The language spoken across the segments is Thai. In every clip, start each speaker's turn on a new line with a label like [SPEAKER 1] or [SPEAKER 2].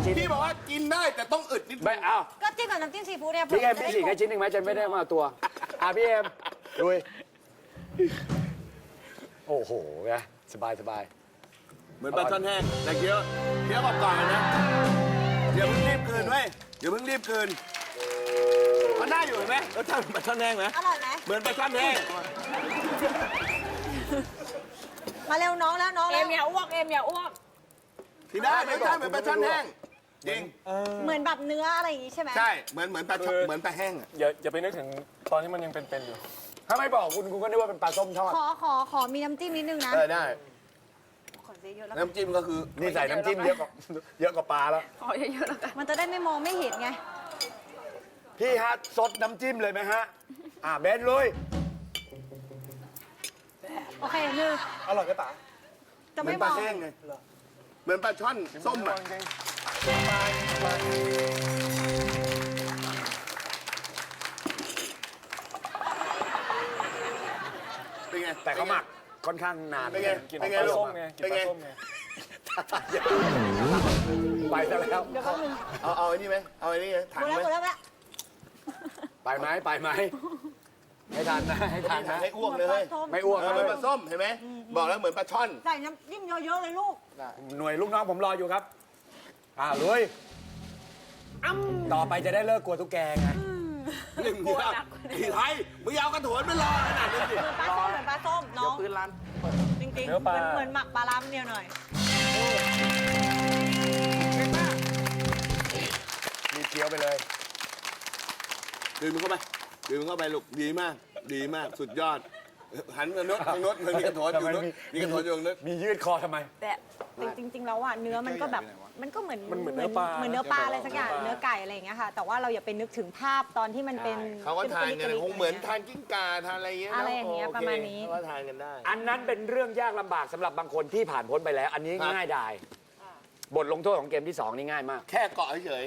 [SPEAKER 1] ชิ้น
[SPEAKER 2] พี่บอกว่ากินได้แต่ต้องอึดนิดนึง
[SPEAKER 1] ไม่เอา
[SPEAKER 3] ก็จิ้มกับน้ำจิ้มซีฟู้ดเนี่ย
[SPEAKER 1] พี่เอ็มพี่ฉีกให้ชิ้นหนึ่งไหมฉันไม่ได้มาตัวพี่เอ็มลุยโอ้โหไงสบายสบาย
[SPEAKER 2] เหมือนปลาช่อนแห้งแต่เคี้ยวกรอบๆนะอย่าเพิ่งรีบคืนเว้ยอย่าเพิ่งรีบคืนมันได้อยู่เห็นไหมรสชาติเหมือนปลาช่อนแห้งไหม
[SPEAKER 3] อร่อยไหม
[SPEAKER 2] เหมือนปลาช่อนแห้ง
[SPEAKER 3] มาเร็วน้องแล้วน้อง
[SPEAKER 4] เอ็
[SPEAKER 3] แล้ว
[SPEAKER 4] มอย่าอ้วกเอ็มอย่าอ้วก
[SPEAKER 2] ที่ได้รสชาติเหมือนปลาช่อนแห้งจริง
[SPEAKER 3] เหมือนแบบเนื้ออะไรอย่างงี้ใช่ไหม
[SPEAKER 2] ใช่เหมือนปลาช่อนเหมือนปลาแห้งอะ
[SPEAKER 5] อย่าไปนึกถึงตอนที่มันยังเป็นๆอยู่
[SPEAKER 1] ถ้าไม่บอกคุณก็นึกว่าเป็นปลาส้มทอด
[SPEAKER 3] ขอมีน้ำจิ้มนิดนึงนะ
[SPEAKER 2] ได้
[SPEAKER 3] ขอซื้อเยอะแล้ว
[SPEAKER 2] น้ำจิ้มก็คือ
[SPEAKER 1] นี่ใส่น้ำจิ้มเยอะกว่าปลาแล้ว
[SPEAKER 4] ขอเยอะๆแล้วกัน
[SPEAKER 3] มันจะได้ไม่มองไม่เห็นไง
[SPEAKER 1] พี่ฮะซดน้ำจิ้มเลยไหมฮะเบนลุย
[SPEAKER 3] โอเคหนึ่ง
[SPEAKER 5] อร่อยก็ตา
[SPEAKER 3] จะ
[SPEAKER 2] เหมื
[SPEAKER 3] ไม่
[SPEAKER 2] อน
[SPEAKER 3] ม
[SPEAKER 2] ปลา
[SPEAKER 3] อง
[SPEAKER 2] แห้งไงเหมือนปลาช่อนส้มอะเป็นไง
[SPEAKER 1] แต่เขาหมักค่อนข้างนาน
[SPEAKER 2] เป็นไง
[SPEAKER 5] กิน
[SPEAKER 2] เป็น
[SPEAKER 5] ป
[SPEAKER 2] ไง
[SPEAKER 5] ลา
[SPEAKER 2] ลูก
[SPEAKER 5] ส้มไงกิน
[SPEAKER 2] เป็น
[SPEAKER 5] ป
[SPEAKER 2] ไง
[SPEAKER 5] ลาส้มไง
[SPEAKER 1] ไปซะแล้ว
[SPEAKER 3] เดี๋ยวแป๊บนึง
[SPEAKER 2] เอาไอ้นี่ไหมเอาไอ้นี่ไหมถัง
[SPEAKER 3] หมดแล้ว
[SPEAKER 2] ไหม
[SPEAKER 3] หมดแล้ว
[SPEAKER 1] ไปไหมให้ทานนะให้ทานนะ
[SPEAKER 2] ให้อ้วกเลย
[SPEAKER 1] ไม่อ้วก
[SPEAKER 2] เหมือนปลาส้มเห็นไหมบอกแล้วเหมือนปลาช่อน
[SPEAKER 3] ใส่น้ำจิ้มเยอะๆเลยลูก
[SPEAKER 1] หน่วยลูกน้องผมรออยู่ครับลุยต่อไปจะได้เลิกกลัวตุ๊กแกไง
[SPEAKER 2] หนึ่งเดียวไอ้ไทยมึงเอากระโถนไปรอขนาดนี้สิ
[SPEAKER 3] เหมือนปลาส้มน้อง
[SPEAKER 2] พื้นร้าน
[SPEAKER 3] จริงๆ
[SPEAKER 5] เนื้อปลา
[SPEAKER 3] เหมือนหมักปลาล้ำเดียวหน่อย
[SPEAKER 1] มีเคี้ยวไปเลย
[SPEAKER 2] ดื่มมันเข้าไปดื่มมันเข้าไปลูกดีมาก ดีมากสุดยอด หันมาโน้ตทางโน้ตมันมีกระโถนอยู่โน้ตมีกระโถนอยู่ตรงโน้ต
[SPEAKER 1] มียืดคอทำไม
[SPEAKER 3] แต่จริงๆแล้วอ่ะเนื้อมันก็แบบมันก็เหมือน
[SPEAKER 5] มันเหมือนเนื้อปลา
[SPEAKER 3] เหมือนเนื้อปลาอะไรสักอย่างเนื้อไก่อะไรอย่างเงี้ยค่ะ แต่ว่าเราอย่าไปนึกถึงภาพตอนที่มันเป็น
[SPEAKER 2] เขาก็ทานกัน
[SPEAKER 3] ลิๆ
[SPEAKER 2] คงเหมือนทานกิ้งก่าทานอะไรอย่างเงี้ย
[SPEAKER 3] อะไรอย่างเงี้ย
[SPEAKER 2] โค
[SPEAKER 3] ประมาณนี้
[SPEAKER 2] เขาก็ทานกันได้
[SPEAKER 1] อันนั้นเป็นเรื่องยากลำบากสำหรับบางคนที่ผ่านพ้นไปแล้ว อันนี้
[SPEAKER 2] ครับ
[SPEAKER 1] ง่ายดายบทลงโทษของเกมที่ 2 นี่ง่ายมาก
[SPEAKER 2] แค่เกาะเฉย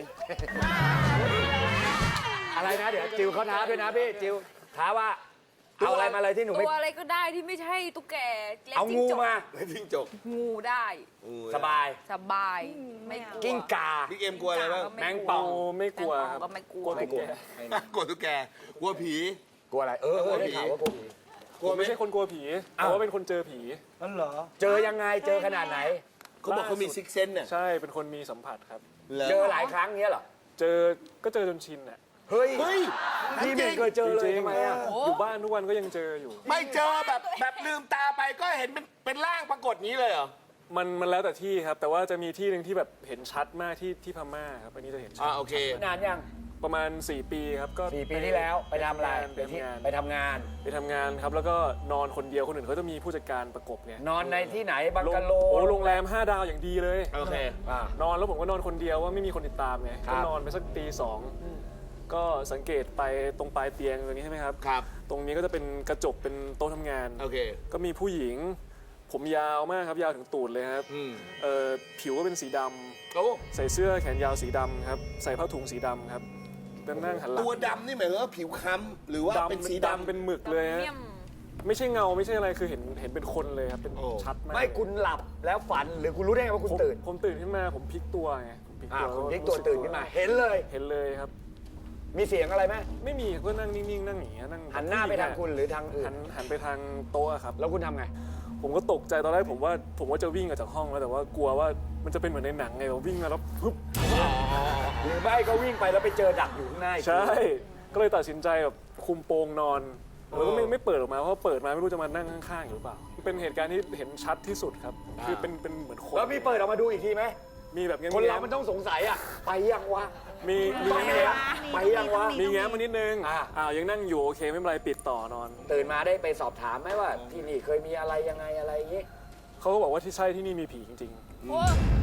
[SPEAKER 1] อะไรนะเดี๋ยวจิวเขาท้าด้วยนะพี่จิวท้าว่าเอาอะไรมาเลยที่หนู
[SPEAKER 4] ตั
[SPEAKER 1] ไม่
[SPEAKER 4] วอะไรก็ได้ที่ไม่ใช่ตุ๊กแกและ
[SPEAKER 1] เอา
[SPEAKER 4] จิ้
[SPEAKER 1] งู
[SPEAKER 4] จก
[SPEAKER 1] มา
[SPEAKER 2] ๆไม่ทิ้งจก
[SPEAKER 4] งูได้
[SPEAKER 1] สบาย
[SPEAKER 4] สบายไม่กลัว
[SPEAKER 1] กิ้งก่า
[SPEAKER 2] พี่เกมกลัวอะไรบ้าง
[SPEAKER 1] แมงป่อง
[SPEAKER 5] ไม่กลัว
[SPEAKER 4] แมง
[SPEAKER 5] ค
[SPEAKER 4] ป่
[SPEAKER 5] รับ
[SPEAKER 4] ก็ไม่กลัว
[SPEAKER 5] กลัวตุ๊กแก
[SPEAKER 2] กลัวตุ๊กแกกลัวผี
[SPEAKER 1] กลัวอะไรได้ข่าวว่ากลัวผี
[SPEAKER 2] กลัวไหม
[SPEAKER 5] ไม่ใช่คนกลัวผีแต่ว่าเป็นคนเจอผี
[SPEAKER 1] เจอยังไงเจอขนาดไหน
[SPEAKER 2] เขาบอกเขามีซิกเซนเนี่ย
[SPEAKER 5] ใช่เป็นคนมีสัมผัสครับ
[SPEAKER 1] เจอหลายครั้งเงี้ยเหรอ
[SPEAKER 5] เจอก็เจอจนชินอ่ะ
[SPEAKER 1] เฮ้ย
[SPEAKER 2] เฮ้ย
[SPEAKER 1] พี่ไม่เคยเจอเลยทำไมอ่ะ
[SPEAKER 5] อยู่บ้านทุกวันก็ยังเจออยู่
[SPEAKER 2] ไม่เจอแบบลืมตาไปก็เห็นเป็นร่างปรากฏนี้เลยเหรอ
[SPEAKER 5] มันแล้วแต่ที่ครับ แต่ว่าจะมีที่หนึ่งที่แบบเห็นชัดมากที่พม่าครับอันนี้จะเห็นชัด
[SPEAKER 2] โอเค
[SPEAKER 1] นานยัง
[SPEAKER 5] ประมาณ 4 ปีครับก็
[SPEAKER 1] 4 ปีที่แล้วไปทำอะไร
[SPEAKER 5] ไปทำงาน
[SPEAKER 1] ไปทำงาน
[SPEAKER 5] ไปทำงานครับแล้วก็นอนคนเดียวคนอื่นเขาจะมีผู้จัดการประกบไง
[SPEAKER 1] นอนในที่ไหนบังกะโล
[SPEAKER 5] โอ้โรงแรม5 ดาวอย่างดีเลย
[SPEAKER 2] โอเค
[SPEAKER 5] นอนแล้วผมก็นอนคนเดียวว่าไม่มีคนติดตามไง
[SPEAKER 1] ครับ
[SPEAKER 5] ก็นอนไปสักตี 2ก็สังเกตไปตรงปลายเตียงตรงนี้ใช่ไหมครับ
[SPEAKER 2] ครับ
[SPEAKER 5] ตรงนี้ก็จะเป็นกระจกเป็นโต๊ะทำงาน
[SPEAKER 2] โอเค
[SPEAKER 5] ก็มีผู้หญิง ผมยาวมากครับยาวถึงตูดเลยครับ
[SPEAKER 2] อืม
[SPEAKER 5] ผิวก็เป็นสีดำ
[SPEAKER 2] โอ้
[SPEAKER 5] ใส่เสื้อแขนยาวสีดำครับใส่ผ้าถุงสีดำครับนั่งหันหลัง
[SPEAKER 2] ตัวดำนี่หมายถึงว่าผิวค้ำหรือว่าเป็นสีดำ
[SPEAKER 5] เป็นหมึกเลยฮะ
[SPEAKER 4] เมี่ยม
[SPEAKER 5] ไม่ใช่เงาไม่ใช่อะไรคือเห็นเป็นคนเลยครับเป็น
[SPEAKER 2] โอ้
[SPEAKER 5] ชัดมาก
[SPEAKER 1] ไม่คุณหลับแล้วฝันหรือคุณรู้ได้ไงว่าคุณตื่น
[SPEAKER 5] ผมตื่นขึ้นมาผมพลิกตัวไงผมพลิกตัว
[SPEAKER 1] คุณพลิกตัวตื่นขึ้นมา เห็นเลย
[SPEAKER 5] เห็นเลยครับ
[SPEAKER 1] มีเสียงอะไรไหม
[SPEAKER 5] ไม่มีก็นั่งนิ่งๆนั่งอย่างเงี้ยนั่ง
[SPEAKER 1] หันหน้าไปทางคุณหรือทางอื่น
[SPEAKER 5] หันไปทางโต๊ะครับ
[SPEAKER 1] แล้วคุณทำไง
[SPEAKER 5] ผมก็ตกใจตอนแรกผมว่าจะวิ่งออกจากห้องแล้วแต่ว่ากลัวว่ามันจะเป็นเหมือนในหนังไงเราวิ่งมาแล้วปึ๊บ
[SPEAKER 1] หรือไม่ก็วิ่งไปแล้วไปเจอดักอยู่ข้างหน้าอีก
[SPEAKER 5] ใช่ ก็เลยตัดสินใจแบบคุมโปงนอนแล้วก็ไม่เปิดออกมาเพราะเปิดมาไม่รู้จะมานั่งข้างๆอยู่หรือเปล่าเป็นเหตุการณ์ที่เห็นชัดที่สุดครับคือเป็นเหมือนคน
[SPEAKER 1] แล้วมีเปิดออกมาดูอีกทีไหม
[SPEAKER 5] มีแบบ
[SPEAKER 1] คนเรามันต้องสงสัยอ่ะไปยังวะ
[SPEAKER 5] มี
[SPEAKER 1] ไปยังไปยังวะ
[SPEAKER 5] มีแง้มมานิดนึง
[SPEAKER 1] อ่า
[SPEAKER 5] ยังนั่งอยู่โอเคไม่เป็นไรปิดต่อนอน
[SPEAKER 1] ตื่นมาได้ไปสอบถามไหมว่า ที่นี่เคยมีอะไรยังไงอะไรอย่างงี้
[SPEAKER 5] เขาก็บอกว่าที่ใช่ที่นี่มีผีจริง
[SPEAKER 4] โอ้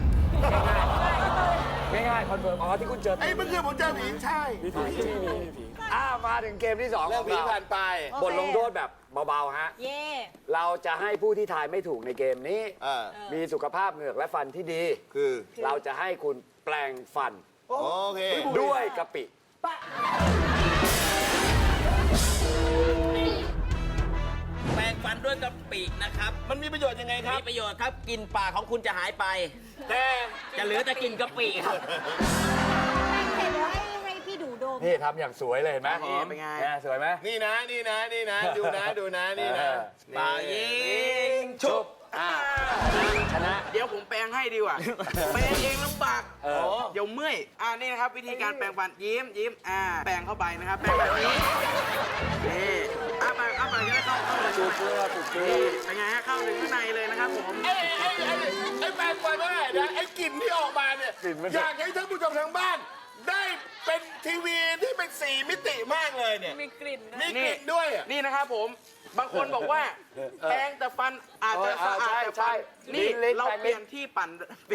[SPEAKER 1] ง่ายๆคอนเฟิร์มอ๋อที่คุณเจอ
[SPEAKER 2] ไอ้เมื่อคืนผมเจอผีใช่
[SPEAKER 5] ๆมีผีที่นี่มีผี
[SPEAKER 1] มาถึงเกมที่2
[SPEAKER 2] เรื่องผีผ่านไป
[SPEAKER 1] บทลงโทษแบบเบาๆฮะ
[SPEAKER 3] เย่
[SPEAKER 1] เราจะให้ผู้ที่ทายไม่ถูกในเกมนี้
[SPEAKER 2] มี
[SPEAKER 1] มีสุขภาพเหงือกและฟันที่ดี
[SPEAKER 2] คือ
[SPEAKER 1] เราจะให้คุณแปลงฟัน
[SPEAKER 2] โอเค
[SPEAKER 1] ด้วยกะปิ
[SPEAKER 2] แปรงฟัน
[SPEAKER 6] ฟันด้วยกะปินะครับ
[SPEAKER 2] มันมีประโยชน์ยังไงครับ
[SPEAKER 6] มีประโยชน์ครับกลิ่นปากของคุณจะหายไป
[SPEAKER 2] แต่
[SPEAKER 6] จะเหลือแต่กลิ่นกะปิครับ
[SPEAKER 3] เสร็จแล้วให้พี่ดูดม
[SPEAKER 1] นี่ทำอย่างสวยเลยเห็นไหม
[SPEAKER 6] เป็นไง
[SPEAKER 1] เนี่ยสวยไหม
[SPEAKER 2] นี่นะนี่นะนี่นะดูนะดูนะนี่นะ
[SPEAKER 6] ปากยิง
[SPEAKER 2] ชุบ
[SPEAKER 1] ชนะ
[SPEAKER 7] เดี๋ยวผมแปรงให้ดีกว่า แปรงเองลำบาก
[SPEAKER 1] เออ
[SPEAKER 7] เดี๋ยวเมื่อย นี่นะครับ วิธีการแปรงฟันยิ้ม แปรงเข้าไปนะครับ แปรงแบบนี้ นี่อ้าปากจะได้เข้าเลย
[SPEAKER 1] จุดเกลือจุดเกลือ
[SPEAKER 7] นี่เป็นไงฮะ เข้าถึงข้างในเลยนะครับผม
[SPEAKER 2] ไอ้แปลงฟันไม่ได้นะไอ้กลิ่นที่ออกมาเนี่ย
[SPEAKER 1] กลิ่นมัน
[SPEAKER 2] อยากให้ท่านผู้ชมทางบ้าน ได้เป็นทีวีที่เป็น4 มิติมากเลยเนี่ย
[SPEAKER 4] มีกลิ่นนะ
[SPEAKER 2] มีกลิ่นด้วยอะ
[SPEAKER 7] นี่นะครับผม บางคนบอกว่า แปรงแต่ฟันอาจจะสะอาดแต่ฟันนี่เราเปลี่ยนที่ปั่นเป็น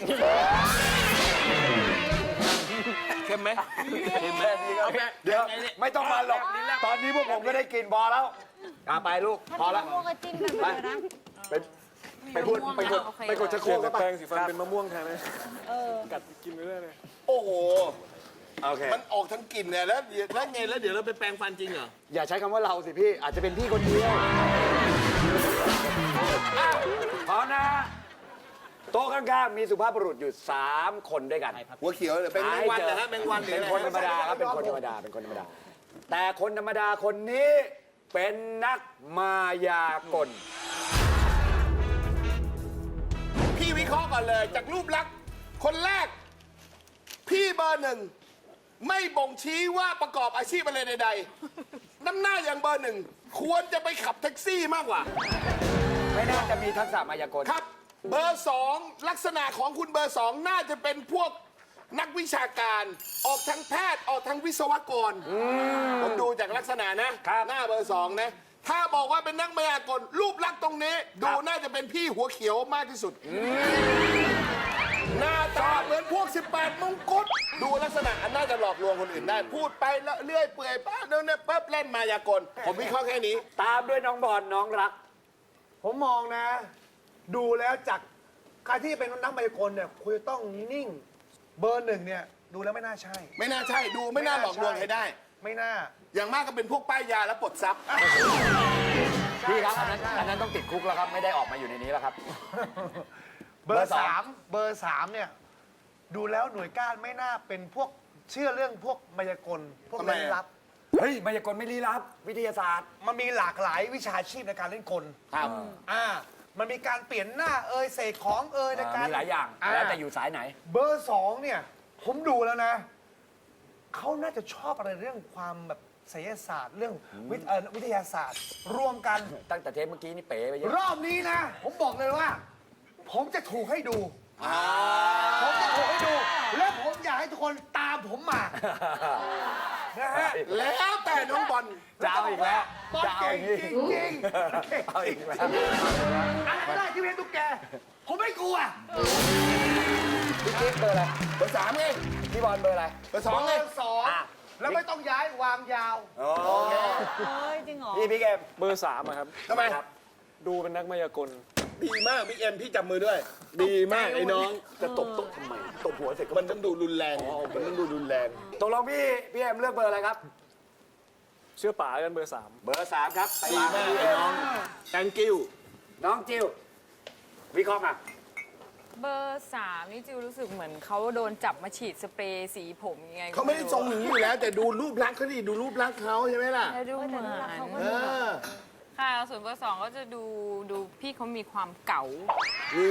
[SPEAKER 2] เค็มไหม
[SPEAKER 7] เอาแปรง
[SPEAKER 1] เดี๋ยวไม่ต้องมาหรอก ตอนนี้พวกผมก็ได้กินพอแล้วไปลูก
[SPEAKER 3] ถ้า
[SPEAKER 1] พอ
[SPEAKER 3] มี
[SPEAKER 1] แล้ว
[SPEAKER 3] มะม่วงก็จิ้มกันไปเลยนะ
[SPEAKER 1] ไปพูดไปกด
[SPEAKER 4] โอเค
[SPEAKER 1] ไปกดชะโคร
[SPEAKER 5] เปลี่ย
[SPEAKER 1] ก
[SPEAKER 5] น
[SPEAKER 1] กัน
[SPEAKER 5] แป
[SPEAKER 1] ปะ
[SPEAKER 5] รงสีฟันเป็นมะม่วงแทนเลยกัดกินไปเรื่อยเลย
[SPEAKER 2] โอ้โห
[SPEAKER 1] โอเค
[SPEAKER 2] มันออกทั้งกลิ่นเนี่ยแล้วไงแล้วเดี๋ยวเราไปแปรงฟันจริงเหรอ
[SPEAKER 1] อย่าใช้คำว่าเราสิพี่ อาจจะเป็นพี่คนเดียวพร้อมนะโต๊ะข้างๆมีสุภาพบุรุษอยู่ 3 คนด้วยกัน
[SPEAKER 2] หัวเขียวหรือเป็นแมงวันนะฮะแมงวันหรือ
[SPEAKER 1] เป็น
[SPEAKER 2] อะไร
[SPEAKER 1] คนธรรมดาครับเป็นคนธรรมดาเป็นคนธรรมดา แต่คนธรรมดาคนนี้เป็นนักมายากล
[SPEAKER 2] พี่วิเคราะห์ก่อนเลยจากรูปลักษณ์คนแรก พี่เบอร์ 1 ไม่บ่งชี้ว่าประกอบอาชีพอะไรใดๆน้ำหน้าอย่างเบอร์ 1 ควรจะไปขับแท็กซี่มากกว่า
[SPEAKER 1] ไม่น่าจะมีทักษะมายากล
[SPEAKER 2] ครับ เบอร์ 2 ลักษณะของคุณเบอร์ 2 น่าจะเป็นพวกนักวิชาการ ออกทางแพทย์ออกทางวิศวกรผมดูจากลักษณะนะ หน้าเบอร์ 2 นะ ถ้าบอกว่าเป็นนักมายากล รูปลักษณ์ตรงนี้ ดูน่าจะเป็นพี่หัวเขียวมากที่สุด หน้าตาเหมือนพวก 18 มงกุฎดูลักษณะอันน่าจะหลอกลวงคนอื่นได้ พูดไปแล้วเลื่อยเปื่อยป้าเดินเนี่ยปั๊บเล่นมายากล ผมวิเคราะห์แค่นี้
[SPEAKER 1] ตามด้วยน้องบอลน้องรัก
[SPEAKER 8] ผมมองนะ ดูแล้วจากการที่เป็นนักมายากลเนี่ยคุณจะต้องนิ่ง เบอร์ 1เนี่ยดูแล้วไม่น่าใช่
[SPEAKER 2] ไม่น่าใช่ดูไม่น่าหลอกลวงใครได้
[SPEAKER 8] ไม่น่า
[SPEAKER 2] อย่างมากก็เป็นพวกป้ายยาและปลดทรัพย์
[SPEAKER 1] พี่ครับอันนั้นต้องติดคุกแล้วครับ ไม่ได้ออกมาอยู่ในนี้แล้วครับ
[SPEAKER 8] เบอ
[SPEAKER 1] เบอร์
[SPEAKER 8] ร์
[SPEAKER 1] สอง
[SPEAKER 8] สามเบอร์สามเนี่ยดูแล้วหน่วยก้านไม่น่าเป็นพวกเชื่อเรื่องพวกมายากลพวก
[SPEAKER 2] ทำไม
[SPEAKER 8] ลี้
[SPEAKER 2] อะ
[SPEAKER 8] ลับ
[SPEAKER 1] เฮ้ยมายากลไม่ลี้ลับ วิทยาศาสตร์
[SPEAKER 8] มันมีหลากหลายวิชาชีพในการเล่นกล
[SPEAKER 1] ครับ
[SPEAKER 8] มันมีการเปลี่ยนหน้าเสกของในการ
[SPEAKER 1] มีหลายอย่าง แล้วแต่อยู่สายไหน
[SPEAKER 8] เบอร์สองเนี่ยผมดูแล้วนะเขาน่าจะชอบอะไรเรื่องความแบบไสยศาสตร์เรื่องวิทยาศาสตร์ รวมกัน
[SPEAKER 1] ตั้งแต่เทปเมื่อกี้นี่เป๋ไปเยอะ
[SPEAKER 8] รอบนี้นะ ผมบอกเลยว่า ผมจะถูกให้ดูผมจะถูกให้ดู และผมอยากให้ทุกคนตามผมมานะฮะ
[SPEAKER 2] แล้วแต่น้องบอล
[SPEAKER 1] จะเอาอีกแล้ว
[SPEAKER 8] บอล
[SPEAKER 1] จะเอา
[SPEAKER 8] เก่ง
[SPEAKER 1] อีก
[SPEAKER 8] จริง
[SPEAKER 1] เอาอีกแล้ว
[SPEAKER 8] อะไรก็ได้ที่เป็นตุ๊กแก ผมไม่กลัว
[SPEAKER 1] พี่กิ๊ฟเบอร์อะไร
[SPEAKER 2] เบอร์ 3ไง
[SPEAKER 1] พี่บอลเบอร์อะไร
[SPEAKER 2] เบอร์ 2ไง
[SPEAKER 8] เบอร์สองแล้วไม่ต้องย้ายวางยาว
[SPEAKER 3] เฮ้ย จริงเหรอ
[SPEAKER 1] พี่เกม
[SPEAKER 5] เบอร์3อะครับ
[SPEAKER 2] ทำไม
[SPEAKER 5] ดูเป็นนักมายากล
[SPEAKER 2] ดีมากบิ๊กเอ็มพี่จับมือด้วย ดีมากไอ้น้อง
[SPEAKER 1] จะตบโต๊ะทำไมตบหัวเสร็จก็
[SPEAKER 2] มันต้องดูรุนแรงมันต้องดูรุนแรง
[SPEAKER 1] ตกลงพี่เอ็มเลือกเบอร์อะไรครับ
[SPEAKER 5] เชื่อป๋ากันเบอร์
[SPEAKER 1] เบอร์ 3 ครับไป
[SPEAKER 2] ดีมากไอ้น้อง thank you
[SPEAKER 1] น้องจิววิเคราะห์มา
[SPEAKER 4] เบอร์3นี่จิวรู้สึกเหมือนเขาโดนจับมาฉีดสเปรย์สีผมยังไงก็
[SPEAKER 2] เขาไม่ได้ทรงอย่างนี้อยู่แล้ว แต่ดูรูปลักษณ์เขาดิดูรูปลักษณ์เขาใช่ไหมล่ะ
[SPEAKER 4] แล้วดูเหมือน
[SPEAKER 2] เออ
[SPEAKER 4] ค่ะส่วนเบอร์2ก็จะดูพี่เขามีความเก๋า
[SPEAKER 2] นี่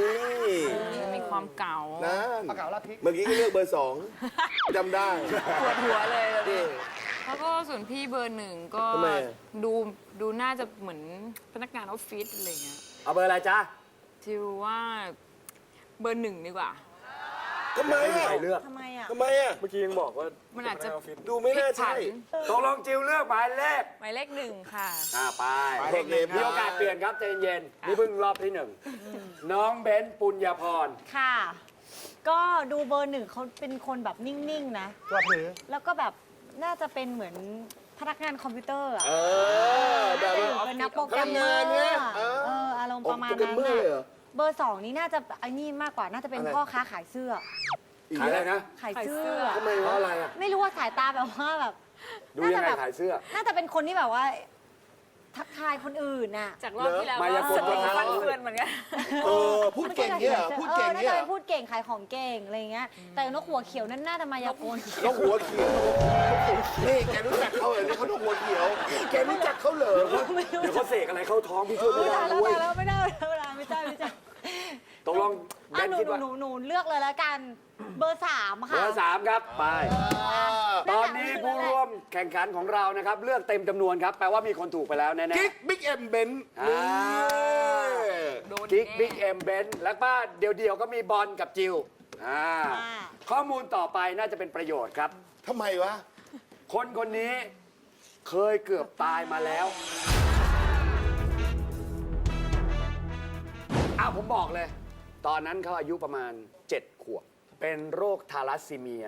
[SPEAKER 4] มีความเก๋า
[SPEAKER 2] นั่น
[SPEAKER 8] ปากกาลาพิก
[SPEAKER 2] เมื่อกี้ก็เลือกเบอร์ 2จำได้
[SPEAKER 4] ปวดหัวเลยแล้วก็ส่วนพี่เบอร์1ก็
[SPEAKER 2] ทำไมอะ
[SPEAKER 4] ดูน่าจะเหมือนพนักงานออฟฟิศอะไรเงี้ย
[SPEAKER 1] เอาเบอร์อะไรจ๊ะ
[SPEAKER 4] จิวว่าเบอร์1ดีกว่า
[SPEAKER 2] ทำไม
[SPEAKER 1] ไม่มี
[SPEAKER 2] อ่ะ
[SPEAKER 1] ใครเลือก
[SPEAKER 3] ทำไมอ่ะ
[SPEAKER 2] ทำไมอ่ะ
[SPEAKER 5] เมื่อกี้ยังบอกว่า
[SPEAKER 4] มันอาจจะ
[SPEAKER 5] เป็พกงนออฟฟิศ
[SPEAKER 2] ดูไม่น่าใช่
[SPEAKER 1] ตกลงจิวเลือกหมายเลข
[SPEAKER 4] หมายเลข1ค่ะ
[SPEAKER 1] ไป
[SPEAKER 2] หมายเลขหนึ่งครับ
[SPEAKER 1] มีโอกาสเปลี่ยนครับใจเย็นๆนี่เพิ่งรอบที่1น้องเบนซ์ปุญญาพร
[SPEAKER 3] ค่ะ ก็ดูเบอร์ 1เขาเป็นคนแบบนิ่ง ๆ นะ
[SPEAKER 8] กระผือ
[SPEAKER 3] แล้วก็แบบน่าจะเป็นเหมือนพนักงานคอมพิวเตอร์อ่ะ
[SPEAKER 2] แบ
[SPEAKER 3] น่า
[SPEAKER 2] บ
[SPEAKER 3] จะ
[SPEAKER 2] ว่า
[SPEAKER 3] อยู่เป็นนักโปรแกรมเมอ
[SPEAKER 2] ทำงาน
[SPEAKER 3] ร์
[SPEAKER 2] เนี่ย
[SPEAKER 3] อะ
[SPEAKER 2] เออ
[SPEAKER 3] อารมณ์ประมาณ
[SPEAKER 2] โปรแกร
[SPEAKER 3] นั้
[SPEAKER 2] ม
[SPEAKER 3] น
[SPEAKER 2] เมอร์
[SPEAKER 3] น่ะ
[SPEAKER 2] เลยเหรอ
[SPEAKER 3] เบอร์ 2 นี้น่าจะไอ้นี่มากกว่า น่าจะเป็น
[SPEAKER 2] อะไร
[SPEAKER 3] พ่อค้าขายเสื้อ
[SPEAKER 1] ขายอะไรนะ
[SPEAKER 3] ขายเสื้อ
[SPEAKER 2] ทำไมเพราะอะไรอ่ะ
[SPEAKER 3] ไม่รู้ว่าสายตาแบบว่าแบบ
[SPEAKER 1] ดูยังไงขายเสื้อ
[SPEAKER 3] น่าจะเป็นคนที่แบบว่าทักทายคนอื่นน่ะ
[SPEAKER 4] จากรอบที่แล้ว
[SPEAKER 1] มายากล
[SPEAKER 4] ก็
[SPEAKER 1] คน
[SPEAKER 4] ฟั
[SPEAKER 1] ทาง
[SPEAKER 4] นเฟือนเหมือนกัน
[SPEAKER 2] พูดเก่งเนี่ยเหรอพูดเก่ง
[SPEAKER 3] น่า
[SPEAKER 2] เนี่ย
[SPEAKER 3] จะ
[SPEAKER 2] เหร
[SPEAKER 3] เป็
[SPEAKER 2] อน
[SPEAKER 3] พูดเก่งขายของเก่งอะไรอย่างเงี้ย แต่นกหัวเขียวนั่นน่าจะมายากล
[SPEAKER 2] นกหัวเขียวนี่แกรู้จักเขาเหรอนี่เขานกหัวเขียว แกรู้จักเขาเหรอ
[SPEAKER 1] เดี๋ยวเขาเสกอะไรเข้าท้องพี่ช่วยไม่ได้
[SPEAKER 3] แล้ว
[SPEAKER 1] ด้วย
[SPEAKER 3] แล้วไม่ได้ไม่ใช่
[SPEAKER 1] ตกลงเบ
[SPEAKER 3] อ่ะ
[SPEAKER 1] น
[SPEAKER 3] หนู
[SPEAKER 1] คิดว่า
[SPEAKER 3] หนูเลือกเลยแล้วกันเบอร์ 3
[SPEAKER 1] เบ
[SPEAKER 3] ค่ะ
[SPEAKER 1] อร์สามครับ ไป ตอนนี้ผู้ร่วมแข่งขันของเรานะครับ เลือกเต็มจำนวนครับ แปลว่ามีคนถูกไปแล้วแน่ๆ
[SPEAKER 2] กิ๊กบิ๊กเอ็มเบน
[SPEAKER 1] อ่า กิ๊กบิ๊กเอ็มเบนแล้วก็เดี่ยวๆก็มีบอลกับจิวข้อมูลต่อไปน่าจะเป็นประโยชน์ครับ
[SPEAKER 2] ทำไมวะ
[SPEAKER 1] คนคนนี้เคยเกือบตายมาแล้วผมบอกเลย ตอนนั้นเขาอายุประมาณ 7 ขวบ เป็นโรคทาลัสซีเมีย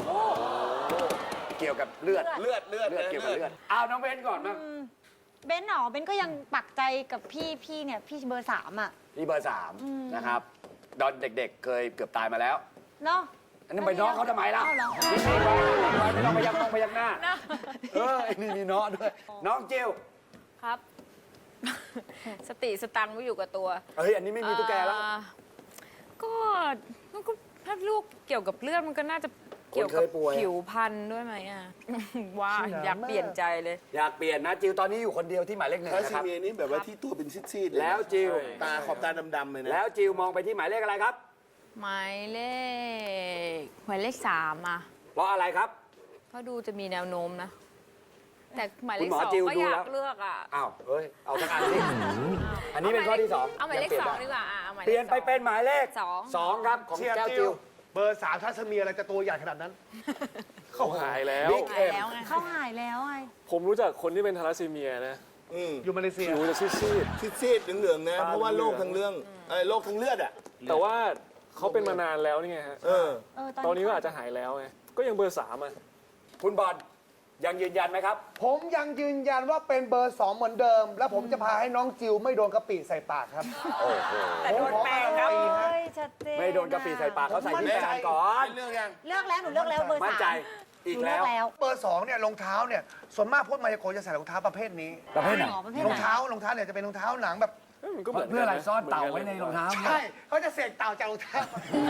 [SPEAKER 1] เกี่ยวกับเลือด
[SPEAKER 2] เลือด
[SPEAKER 1] เกี่ยวกับเลือดน้องเบนก่อนมั้ง
[SPEAKER 3] เบนหนอเบนก็ยังปักใจกับพี่เนี่ยพี่เบอร์ 3 อ่ะ
[SPEAKER 1] นี่เบอร์สามนะครับตอนเด็กๆ เคยเกือบตายมาแล้ว
[SPEAKER 3] เนาะ
[SPEAKER 1] อันนั้นไปน้องเขาทำไมล่ะ
[SPEAKER 3] อ้าวเหรอ
[SPEAKER 1] ไม่ต้องไปยักหน้าไอ้นี่มีน้องด้วย น้องจิว
[SPEAKER 4] ครับ สติสตังค์ไม่อยู่กับตัว
[SPEAKER 1] เฮ้ยอันนี้ไม่มีตุ๊กแกแล้ว
[SPEAKER 4] ก็ถ้าลูกเกี่ยวกับเลือดมันก็น่าจะเกี่ยวกับ
[SPEAKER 1] คนเคยป่วย
[SPEAKER 4] ผิวพันธุ์ด้วยไหมอ่ะ ว่าอยากเปลี่ยนใจเลย
[SPEAKER 1] อยากเปลี่ยนนะจิวตอนนี้อยู่คนเดียวที่หมายเลข 1
[SPEAKER 2] ทา
[SPEAKER 1] นะ
[SPEAKER 2] ซิ
[SPEAKER 1] ครับ
[SPEAKER 2] เมียนี่แบบว่าที่ตัวเป็นซีดๆเยนะ
[SPEAKER 1] แล้วจิว
[SPEAKER 2] ตาขอบตาดำๆเลยนะ
[SPEAKER 1] แล้วจิวมองไปที่หมายเลขอะไรครับ
[SPEAKER 4] หมายเลข 3 อ่ะ
[SPEAKER 1] เพราะอะไรครับ
[SPEAKER 4] เพราะดูจะมีแนวโน้มนะ แต่หมายเล
[SPEAKER 1] คุณ
[SPEAKER 4] ข
[SPEAKER 1] หมอ
[SPEAKER 4] 2
[SPEAKER 1] จิว
[SPEAKER 4] ก็
[SPEAKER 1] ดู
[SPEAKER 4] อยา
[SPEAKER 1] แล้ว
[SPEAKER 4] กเลือกอ่ะ
[SPEAKER 1] อ้าวเฮ้ยเอาทั้งอันสิอันนี้เป็นข้อที่สอง
[SPEAKER 4] เอาหมายเลข
[SPEAKER 1] งป
[SPEAKER 4] 2
[SPEAKER 1] น
[SPEAKER 4] ดีกว่าอ่ะเอาหมายเลข
[SPEAKER 1] เปลี่ยนไปเป็นหมายเลข
[SPEAKER 4] สอง
[SPEAKER 1] 2ครับของ
[SPEAKER 8] เชียร์
[SPEAKER 1] แก้ว
[SPEAKER 8] จิ
[SPEAKER 1] จิ
[SPEAKER 8] ว
[SPEAKER 1] ว
[SPEAKER 8] เบอร์ 3 ถ้าจะมีอะไรจะตัวใหญ่ขนาดนั้น
[SPEAKER 5] เขาหายแล้ว
[SPEAKER 1] บิ๊ก
[SPEAKER 4] หา
[SPEAKER 1] เอ็
[SPEAKER 4] ย
[SPEAKER 1] ม
[SPEAKER 4] แล้วไง
[SPEAKER 3] เขาหายแล้วไง
[SPEAKER 5] ผมรู้จักคนที่เป็นทาลัสซีเมียนะ
[SPEAKER 8] อยู่มาเลเซีย
[SPEAKER 5] ผิวจะซีด
[SPEAKER 2] ซีดๆเหลืองๆนะ เพราะว่าโรคทางเรื่องโรคทางเลือดอ่ะ
[SPEAKER 5] ๆแต่ว่าเขาเป็นมานานแล้วนี่ไงฮะ ตอนนี้ก็อาจจะหายแล้วไง ก็ยังเบอร์ 3 อ่ะ
[SPEAKER 1] คุณบอลยังยืนยันไหมครับ
[SPEAKER 8] ผมยังยืนยันว่าเป็นเบอร์ 2 เหมือนเดิม และผมจะพาให้น้องจิวไม่โดนกะปิใส่ปากครับ
[SPEAKER 4] แต่โดนแป้งครับ
[SPEAKER 3] เฮ้ยชัดเจน
[SPEAKER 1] ไม่โดนกะปิใส่ปากเขาใส่ที่แฟนก่อน
[SPEAKER 2] เรื่องยัง
[SPEAKER 3] เลือกแล้วหนูเลือกแล้วเบอร์
[SPEAKER 1] มั่น
[SPEAKER 3] 3
[SPEAKER 1] ใจ
[SPEAKER 3] ห
[SPEAKER 1] อีก
[SPEAKER 3] นูเลื
[SPEAKER 1] แล้
[SPEAKER 3] อก
[SPEAKER 1] ว
[SPEAKER 3] แล้ว
[SPEAKER 8] เบอร์ 2 เนี่ยรองเท้าเนี่ยส่วนมากพวกมายากลจะใส่รองเท้าประเภทนี้
[SPEAKER 1] ประเภทไหน
[SPEAKER 3] หมอประเภท
[SPEAKER 8] ร
[SPEAKER 3] ไห
[SPEAKER 8] อน งเท้าเนี่ยจะเป็นรองเท้าหนังแบบ
[SPEAKER 5] มันก็เหมือน
[SPEAKER 1] เพื่ออะไร
[SPEAKER 5] กั
[SPEAKER 1] ซ่อนเต่าไว้ในรองเท้า
[SPEAKER 8] ใช่เขาจะเสกเต่าจากรองเท้า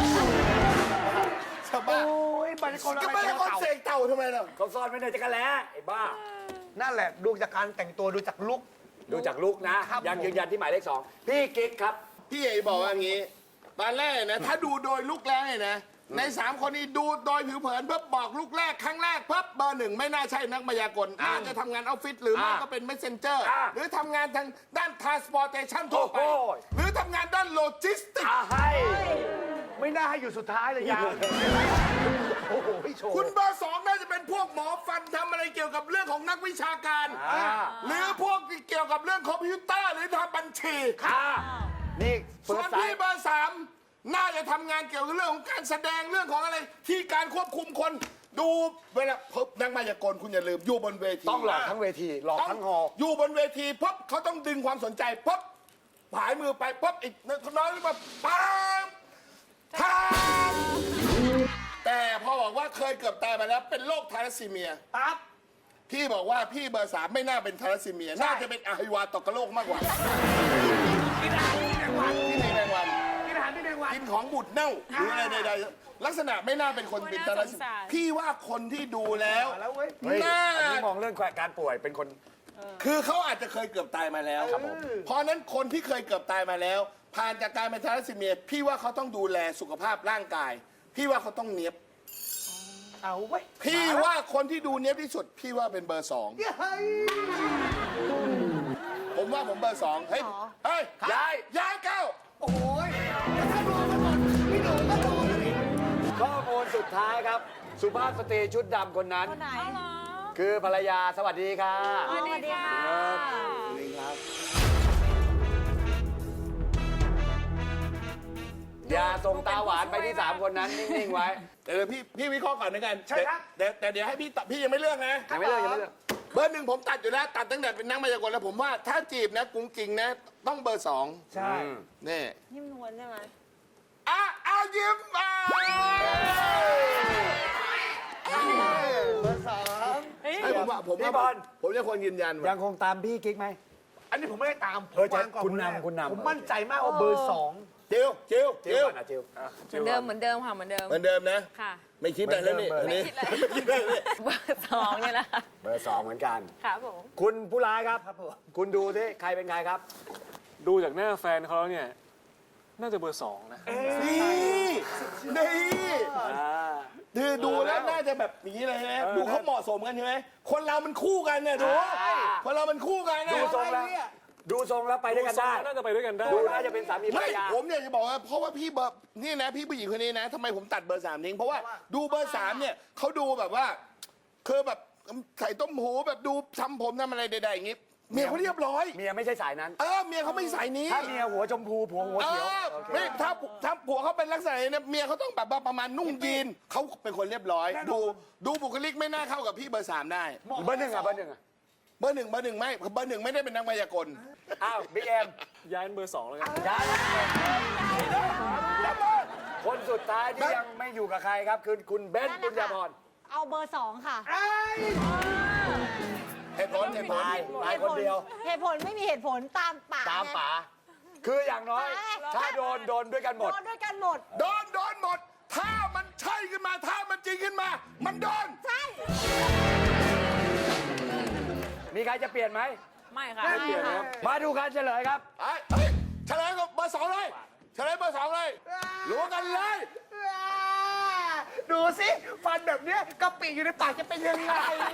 [SPEAKER 2] ชาวบ้าน
[SPEAKER 8] โอ้ยมายากล
[SPEAKER 2] ก็
[SPEAKER 8] อะไร
[SPEAKER 2] ไม่ให้
[SPEAKER 8] เจอ
[SPEAKER 2] คน
[SPEAKER 8] เต่า
[SPEAKER 2] เสกเต่าทำไมล่ะ
[SPEAKER 1] เขาซ่อนไว้ในจักรแล้ไอ้บ้า
[SPEAKER 8] นั่นแหละดูจากการแต่งตัวดูจากลุค
[SPEAKER 1] ดูจากลุกนะ
[SPEAKER 8] ครับ
[SPEAKER 1] ยังยืนยันที่หมายเลข 2 พี่กิ๊กครับ
[SPEAKER 2] พี่เอ๋บอกว่าอย่างงี้ตอนแรกนะ ถ้าดูโดยลูกแรกเนี่ยนะ ใน 3 คนนี้ดูโดยผิวเผินเพิ่บอกลูกแรกครั้งแรกเพิ่เบอร์ 1 ไม่น่าใช่นักมายากลน่าจะทำงานออฟฟิศหรือไม่ก็เป็น messenger หรือทำงานทางด้าน transportation ทั่วไป
[SPEAKER 1] โอ้โห
[SPEAKER 2] หรือทำงานด้านโลจิสติก
[SPEAKER 1] ให้
[SPEAKER 8] ไม่น่าให้อยู่สุดท้ายเลยยาวโอ้โหโชว์
[SPEAKER 2] คุณเบอร์ 2 น่าจะเป็นพวกหมอฟันทำอะไรเกี่ยวกับเรื่องของนักวิชาการ หรือพวกเกี่ยวกับเรื่องคอมพิวเตอร์หรือทำบัญชี
[SPEAKER 1] นี่
[SPEAKER 2] ส่
[SPEAKER 1] เฟิ
[SPEAKER 2] ว
[SPEAKER 1] ร์
[SPEAKER 2] น
[SPEAKER 1] สไซ
[SPEAKER 2] พี่เบอร์ 3 น่าจะทำงานเกี่ยวกับเรื่องของการแสดงเรื่องของอะไร ที่การควบคุมคนดูเวลาพบนักมายากลคุณอย่าลืมอยู่บนเวที
[SPEAKER 1] ต้องหลอกทั้งเวที หลอกทั้งฮอลล์
[SPEAKER 2] อยู่บนเวทีปุ๊บเขาต้องดึงความสนใจปุ๊บผายมือไปปุ๊บอีกน้อยมาปั๊มทามแต่พอบอกว่าเคยเกือบตายมาแล้วเป็นโรคทาลัสซีเมีย
[SPEAKER 8] ปั๊บ
[SPEAKER 2] พี่บอกว่าพี่เบอร์ 3 ไม่น่าเป็นทาลัสซีเมีย น่าจะเป็นอหิวาตกโรคมากกว่า
[SPEAKER 8] กินอาหารที่แมงวัน
[SPEAKER 2] ที่ในแมงวัน
[SPEAKER 8] กินอาหารที่แมงวัน
[SPEAKER 2] กินของบูดเน่าหรืออะไรใดๆลักษณะไม่น่าเป็นคนเป็นทาลัสซี
[SPEAKER 4] น่าสงสาร
[SPEAKER 2] พี่ว่าคนที่ดูแล้ว
[SPEAKER 8] แล้วเว้ย
[SPEAKER 1] เฮ้ย
[SPEAKER 2] น่า
[SPEAKER 1] อันนี้มองเรื่องการป่วยเป็นคน
[SPEAKER 2] คือเขาอาจจะเคยเกือบตายมาแล้วครับผมเพราะฉะนั้นคนที่เคยเกือบตายมาแล้ว ผ่านจากการเป็นทาลัสซีเมีย พี่ว่าเขาต้องดูแลสุขภาพร่างกาย พี่ว่าเขาต้องเนียบ
[SPEAKER 8] เอาไว้ย
[SPEAKER 2] พี่ว่าคนที่ดูเนียบที่สุด พี่ว่าเป็นเบอร์
[SPEAKER 8] เฮ้ย
[SPEAKER 2] 2 ผมว่าผมเบอร์ 2 เฮ้ยเฮ้ยย้ายเก้า
[SPEAKER 8] โอ้ยถ้าโดนมันหมดพี่หนูก็โดนเลย
[SPEAKER 1] ข้อมูลสุดท้ายครับ สุภาพสตรีชุดดำคนนั้น
[SPEAKER 3] คนไหน
[SPEAKER 1] คือภรรยาสวัสดีค่ะ
[SPEAKER 3] สวัสดีค่ะ
[SPEAKER 1] อย่าส่งตาหวานไปที่ 3 คนนั้นนิ่ง ๆ ไว้
[SPEAKER 2] เดี๋ยวพี่วิเคราะห์ก่อนนะกัน
[SPEAKER 8] ใช่ครับ
[SPEAKER 2] แต่เดี๋ยวให้พี่ตอบพี่ยังไม่เลือกนะ
[SPEAKER 1] ยังไม่เลิกยังไม่เลิก
[SPEAKER 2] เบอร์ 1ผมตัดอยู่แล้วตัดตั้งแต่เป็นนักมายากลแล้วผมว่าถ้าจีบนะกุ้งกิ่งนะ ต้องเบอร์ 2
[SPEAKER 8] ใช่
[SPEAKER 2] นี่
[SPEAKER 3] นิ่มนวลใช่ไหม
[SPEAKER 2] ยิ้มอ่ะ
[SPEAKER 8] เบอร์ 2
[SPEAKER 2] ให้ผมว่า
[SPEAKER 1] พี่บอล
[SPEAKER 2] ผมจะควรยืนยัน
[SPEAKER 1] ยั
[SPEAKER 2] ว่าง
[SPEAKER 1] คงตามพี่กิ๊กไหม
[SPEAKER 8] อันนี้ผมไม่ได้ตามผม
[SPEAKER 1] เออจะ
[SPEAKER 8] วางก่อน
[SPEAKER 1] คุณ
[SPEAKER 8] แรก
[SPEAKER 1] นำคุณนำ
[SPEAKER 8] ผมมั่นใจมากว่าเบอร์สอง
[SPEAKER 2] จิวจิว
[SPEAKER 1] จิว
[SPEAKER 2] จิว
[SPEAKER 1] ก่อนนะจิว
[SPEAKER 4] เหมือนเดิมค่ะเหมือนเดิม
[SPEAKER 2] เหมือนเดิมนะ
[SPEAKER 4] ค่ะ
[SPEAKER 2] ไม่คิดอะไรแล้วนี่
[SPEAKER 1] เหมือนเดิม
[SPEAKER 2] อันนี้ไม่คิดอะไรเลย
[SPEAKER 4] เบอร์สองเนี่ยแหละค่ะ
[SPEAKER 1] เบอร์2เหมือนกัน
[SPEAKER 4] ค่ะผม
[SPEAKER 1] คุณผู้ร้ายครับ คุณดูที่ใครเป็นใครครับ
[SPEAKER 5] ดูจากหน้าแฟนเขาแล้วเนี่ย น่าจะเบอร์ 2 นะ
[SPEAKER 2] นี่นี่
[SPEAKER 1] อ่า
[SPEAKER 2] คือดูแล้วน่าจะแบบอย่างนี้เลยใช่ไหมดูเขาเหมาะสมกันใช่ไหมคนเรามันคู่กันเนี่ยดู คนเรามันคู่กันนะ
[SPEAKER 1] ดูทรงแล้ว ดูทรงแล้วไปด้วยกันได้
[SPEAKER 5] น่าจะไปด้วยกันได้
[SPEAKER 1] ดูน่าจะเป็นสามีภร
[SPEAKER 2] ไม่
[SPEAKER 1] รยา
[SPEAKER 2] ผมเนี่ยจะบอกว่าเพราะว่าพี่เบอร์นี่นะพี่ผู้หญิงคนนี้นะทำไมผมตัดเบอร์ 3ทิ้งเพราะว่าดูเบอร์ 3เนี่ยเขาดูแบบว่าคือแบบใส่ต้มหูแบบดูทำผมทำอะไรใดๆอย่างงี้เมียเขาเรียบร้อย
[SPEAKER 1] เมียไม่ใช่สายนั้น
[SPEAKER 2] เมียเขาไม่ใส่นี้
[SPEAKER 1] ถ้าเมียหัวชมพูผัวหัวเขียวโอเค
[SPEAKER 2] ไม่ถ้าผัวเขาเป็นลักษณะนี้นะเมียเขาต้องแบบว่าประมาณนุ่งยีนเขาเป็นคนเรียบร้อย ดูบุคลิกไม่น่าเข้ากับพี่เบอร์ 3ได้
[SPEAKER 1] เบอร์ 1อ่ะเบอร์ 1อ่ะ
[SPEAKER 2] เบอร์หนึ่งไม่เบอร์ 1ไม่ได้เป็นนักมายากล
[SPEAKER 1] อ้าวบิ๊กเอ็ม
[SPEAKER 5] ย้ายเป็นเบอร์ 2 แล้วกัน
[SPEAKER 1] ย้ายคนสุดท้ายที่ยังไม่อยู่กับใครครับคือคุณเบนซ์ปุญญาพร
[SPEAKER 3] เอาเบอร์สองค่ะ
[SPEAKER 2] เหตุผล
[SPEAKER 1] ตายคนเดียว
[SPEAKER 3] เหตุผลไม่มีเหตุผลตามป่า
[SPEAKER 1] ตามป๋าคืออย่างน้อย ถ้าโดนด้วยกันหมด
[SPEAKER 3] โดนด้วยกันหมด
[SPEAKER 2] โดนหมด ถ้ามันใช่ขึ้นมาถ้ามันจริงขึ้นมา มันโดน
[SPEAKER 3] ใช่
[SPEAKER 1] มีใครจะเปลี่ยนไหม
[SPEAKER 4] ไม่ค่ะ
[SPEAKER 3] ไม่เปลี่ยนครับ
[SPEAKER 1] มาดูการเฉลยครับ
[SPEAKER 2] เฮ้ยเฉลยกับเบอร์ 2เลยเฉลยเบอร์ 2เลยรู้กันเลย
[SPEAKER 8] ดูสิฟันแบบเนี้ยกะปิอยู่ในปากจะเป็นยังไง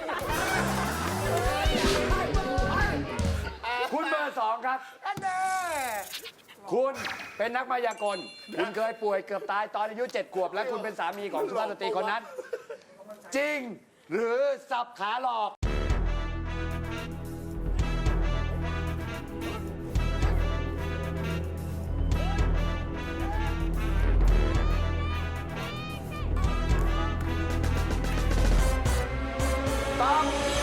[SPEAKER 1] คุณเบอร์ 2 ครับ
[SPEAKER 8] อันแน่
[SPEAKER 1] คุณเป็นนักมายากล คุณเคยป่วยเกือบตายตอนอายุ 7 ขวบ และคุณเป็นสามีของสุภาพสตรีคนนั้น จริง หรือสับขาหลอก ตอบ